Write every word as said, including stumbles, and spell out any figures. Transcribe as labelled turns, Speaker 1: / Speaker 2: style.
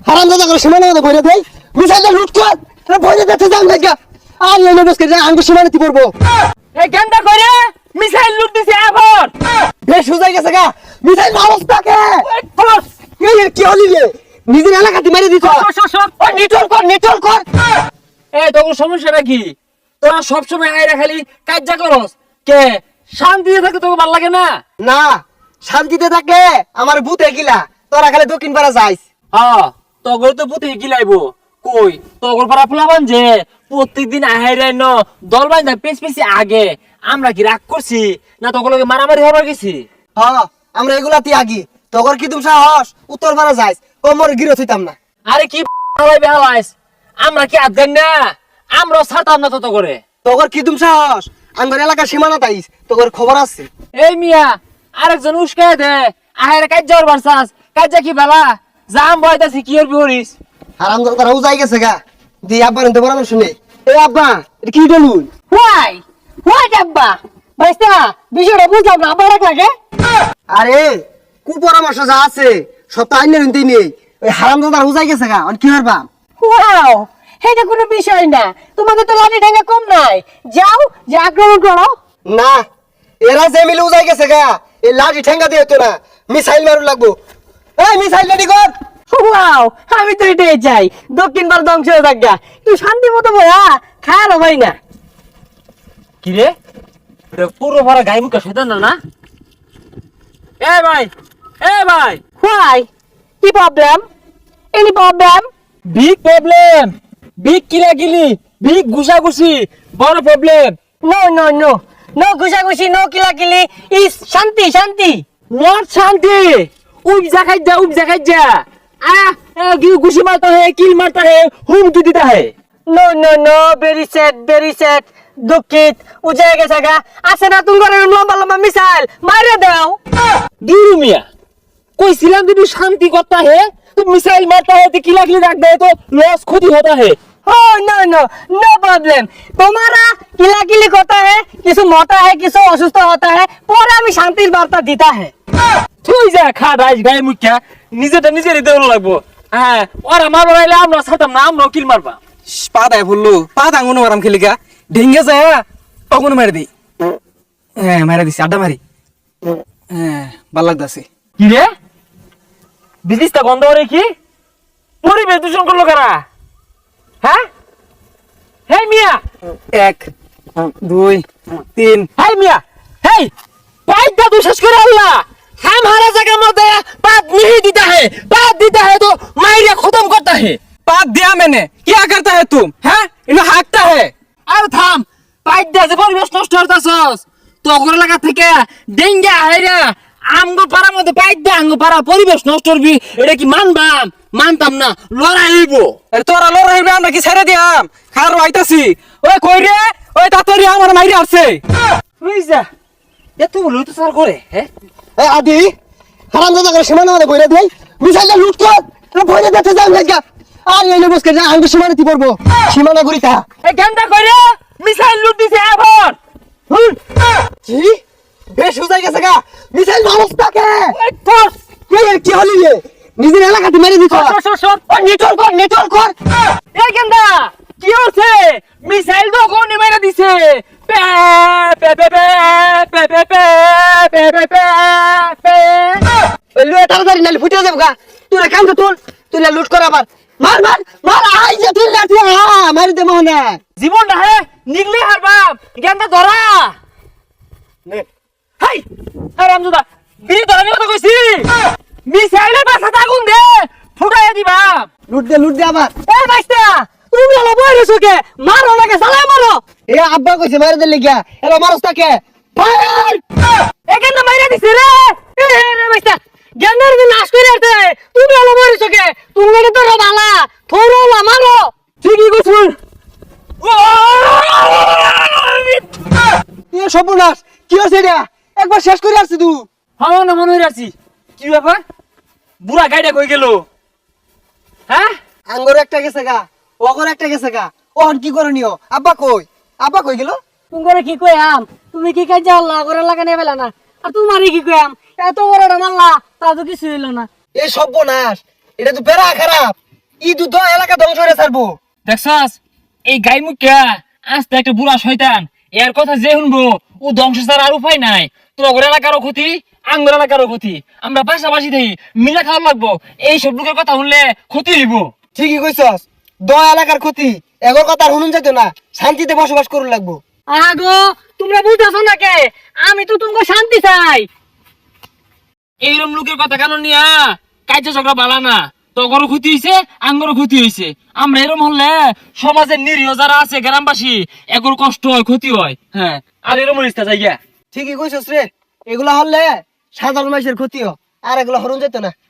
Speaker 1: হারামজাদা করে সীমানা মধ্যে ভরে দেই মিসাইলটা লুট কর আরে ভরে দিতে যান দেখা আর এনে বসকে যা আঙ্গু সীমানাতে পড়বো
Speaker 2: এই কেনটা করে মিসাইল লুট দিছে এখন
Speaker 1: বেশ সুজাই গেছে গা মিসাইল অবস্থাকে এই কি হলি রে নিজের এলাকাতে মেরে দিছ ও নিটল কর নিটল কর
Speaker 2: এই তোর সমস্যাটা কি তোরা সব সময় আইরা খালি কাজ্জা করস কে শান্তিতে থাকতে তোকে ভালো লাগে না
Speaker 1: না শান্তিতে থাকলে আমার ভূতে গিলা তোরা খালি দক্ষিণ পাড়া যাইস
Speaker 2: হ্যাঁ তগর তো পুতে গিলাইবো কই তগর পাড়া ফুলাবান যে প্রত্যেকদিন আহাইরাই ন দল বাইন্দা পেছ পেছি আগে আমরা কি রাগ করছি না তগর লগে মারামারি হবার গেছি
Speaker 1: হ্যাঁ আমরা এগুলাতে আগি তোর কি তুমি সাহস উত্তর পাড়া যাইস কোমর গিরো থইতাম না
Speaker 2: আরে কি হালাই বেহালাইস আমরা কি আদগান না আমরা ছাড়তাম না তত করে
Speaker 1: তোর কি তুমি সাহস আমার এলাকার সীমানা তাইস তোর খবর আছে
Speaker 2: এই মিয়া আরেকজন উস্কায় দে আহারে কাজ্জা হবার চাস কাজ্জা কি বেলা জাম বয়তাছি কি হরবি হরিস
Speaker 1: হারাম তারা উজাই গেছে গা দি আব্বা নিতে পরামর্শ নেই এ আব্বা এটা কি ডলুন
Speaker 3: হোয়াই হোয়াই আব্বা ভাইস্তা বিষয়টা বুঝলাম না আবার রাখ লাগে
Speaker 1: আরে কু পরামর্শ যা আছে সব তো আইনের নিতেই নেই ওই হারাম দাদা উজাই গেছে গা আর কি হরবা
Speaker 3: ওয়াও এটা কোনো বিষয় না তোমাদের তো লাঠি ঠেঙ্গা কম নাই যাও যে আক্রমণ করো
Speaker 1: না এরা যে মিলে উজাই গেছে গা এই লাঠি ঠেঙ্গা দিয়ে হতো না মিসাইল মারু লাগবো এই মিসাইল রেডি কর
Speaker 3: ওয়াও আমি তো এটাই চাই দক্ষিণ ভারত ধ্বংস হয়ে থাকা তুই শান্তি মতো বয়া খায়ালো ভাই না
Speaker 2: কি রে পুরো ভরা গাই মুখা সেটা না না এ ভাই এ ভাই
Speaker 3: হোয়াই কি problem any problem
Speaker 2: big problem big কিলাকিলি বিগ ঘুষাঘুষি বড় problem
Speaker 3: no no no no ঘুষাঘুষি নো কিলাকিলি ইস শান্তি শান্তি
Speaker 2: নট শান্তি উব জাখাই যা উব জাখাই যা आ घुसी मारता है किल मारता है हुमकी देता है
Speaker 3: no no no very sad very sad दुखित उजाय গেছে গা আছে না তুমি করে লম্বা লম্বা মিসাইল মারে দাও
Speaker 2: दूर मियां कोई सिलम भी शांति करता है तो मिसाइल मारता है तो किला किला रख दे तो लॉस खुद ही होता है
Speaker 3: हो नो नो नो प्रॉब्लम तुम्हारा किला किली करता है किसी मोटा है किसी অসুস্থ होता है पूरा আমি শান্তির বার্তা দিতা है
Speaker 2: তুই যা খা রাইস গায়ে মুখা নিজেটা নিজেরই দেওয়া লাগবো হ্যাঁ ওরা মারবার আইলে আমরা ছাড়তাম না আমরা কিল মারবা
Speaker 4: পা দেয় বললো পা দাঙ্গুনো মারাম খেলিকা ঢেঙ্গে যায় তখন মারি দিই হ্যাঁ মারা দিছি আড্ডা মারি হ্যাঁ ভাল লাগতেছে
Speaker 2: কি রে বিদিশটা গন্ধ করে কি পরিবেশ দূষণ করলো কারা হ্যাঁ হেই মিয়া
Speaker 4: এক দুই তিন
Speaker 2: হেই মিয়া হেই পাইপটা তো শেষ করে আল্লাহ हमारा जगह मत बात नहीं देता है बात देता है तो मायरिया खत्म करता है
Speaker 4: पाप दिया मैंने क्या करता है तुम हैं इन्हें हाँकता है
Speaker 2: अरे थाम पाइप दे যে পরিবেশ নষ্ট করতাছস তো ওগুলা লাগা থেকে ডেঙ্গা আইরা আমগো পাড়ার মধ্যে পাইপ দে আমগো পাড়া পরিবেশ নষ্ট করবি এটা কি মানবাম মানতাম না লড়াই হইব
Speaker 4: আরে তোরা লড়াই হইবে আমরা কি ছেড়ে দিয়াম খার আইতাছি ওই কই রে ওই তাতরি আমার মাইরে আসছে
Speaker 2: বুঝছা এত বলো তো স্যার করে হ্যাঁ
Speaker 1: এ আদি হারাম দাদা করে সীমানা মধ্যে ভরে দেই মিসাইলটা লুট কর আরে ভরে দিতে যান দেখা আর এনে বসকে যা আঙ্গু সীমানাতে পড়বো সীমানা গুরিতা
Speaker 2: এই কেনটা কইরে মিসাইল লুট দিছে এখন
Speaker 1: কি বেশ সুজাই গেছে গা মিসাইল অবস্থাকে
Speaker 2: ফোর্স
Speaker 1: এই কি হলি রে নিজের এলাকাতে মেরে দিছ
Speaker 2: সর সর সর
Speaker 1: ও নিটল কর নিটল কর
Speaker 2: এই কেনটা কি হচ্ছে মিসাইল তো কোনে মেরে দিছে পে পে পে পে পে পে পে পে পে পে
Speaker 1: ওই লুয়ে তাড়াতাড়ি নালি ফুটে যাবো গা তুই কাম তো তুল তুই লুট কর আবার মার মার মার আই যে তুই লাঠি আ মারি দে মোহনা
Speaker 2: জীবনটা হে নিগলে হারবাম জ্ঞানটা ধরা নে হাই হারামজাদা বিড়ি ধরা নিয়ে কথা কইছি মিসাইলের বাসা আগুন দে ফুটাইয়া দিবা
Speaker 1: লুট দে লুট দে আবার
Speaker 3: এই ভাইস্তা তুমি হলো বইরেছো কে মারো নাকি সালাই মারো
Speaker 1: এ আব্বা কইছে মারি দে লিগা এরা মারস তাকে ফায়ার
Speaker 3: এখানে মাইরা দিছে রে এ রে ভাইস্তা জ্ঞানের দিন নাশ করে আসতে তুমি হলো বইরেছো কে তুমি তো বালা থোরো না মারো
Speaker 2: ঠিকই কইছুন
Speaker 1: এ সর্বনাশ কি হইছে এটা একবার শেষ করে আসছিস তুই
Speaker 2: হাও না মনে হইরাছি কি ব্যাপার বুড়া গাইডা কই গেল হ্যাঁ
Speaker 1: আঙ্গর একটা গেছে গা ওগর একটা গেছে গা ওহন কি করনিও আব্বা কই আব্বা কই গেল
Speaker 3: তুমি করে কি কইয়াম তুমি কি কাজ আল্লাহ করে লাগানে বেলা না আর তোমারই কি কইয়াম এত বড় মাল্লা তা তো কিছু হইল না
Speaker 1: এ সর্বনাশ এটা তো বেড়া খারাপ ই দুধ এলাকা ধ্বংস করে ছাড়বো।
Speaker 2: দেখছস এই গাই মুখা আস্তে একটা বুড়া শয়তান, এর কথা যে শুনবো ও ধ্বংস ছাড়া আর উপায় নাই। তোর এলাকারও ক্ষতি, আঙ্গুর এলাকারও ক্ষতি, আমরা পাশাপাশি থাকি, মিলে খাওয়া লাগবো। এই সব লোকের কথা শুনলে ক্ষতি হইব।
Speaker 1: ঠিকই কইছস, দ এলাকার ক্ষতি এগোর কথা আর শুনুন যেত না, শান্তিতে বসবাস করুন লাগবো।
Speaker 3: আগো তোমরা বুঝতেছো না কে, আমি তো তোমাকে শান্তি চাই।
Speaker 2: এইরকম লোকের কথা কেন নিয়া কাজ ঝগড়া বালা না, তোরও ক্ষতি হয়েছে, আঙ্গরও ক্ষতি হয়েছে। আমরা এরকম হলে সমাজের নিরীহ যারা আছে গ্রামবাসী এগুলো কষ্ট হয়, ক্ষতি হয়। হ্যাঁ, আর এরকম ইস্তা যাই গিয়া।
Speaker 1: ঠিকই কইছস রে, এগুলা হলে সাধারণ মানুষের ক্ষতি হয়, আর এগুলা হরুন যেত না।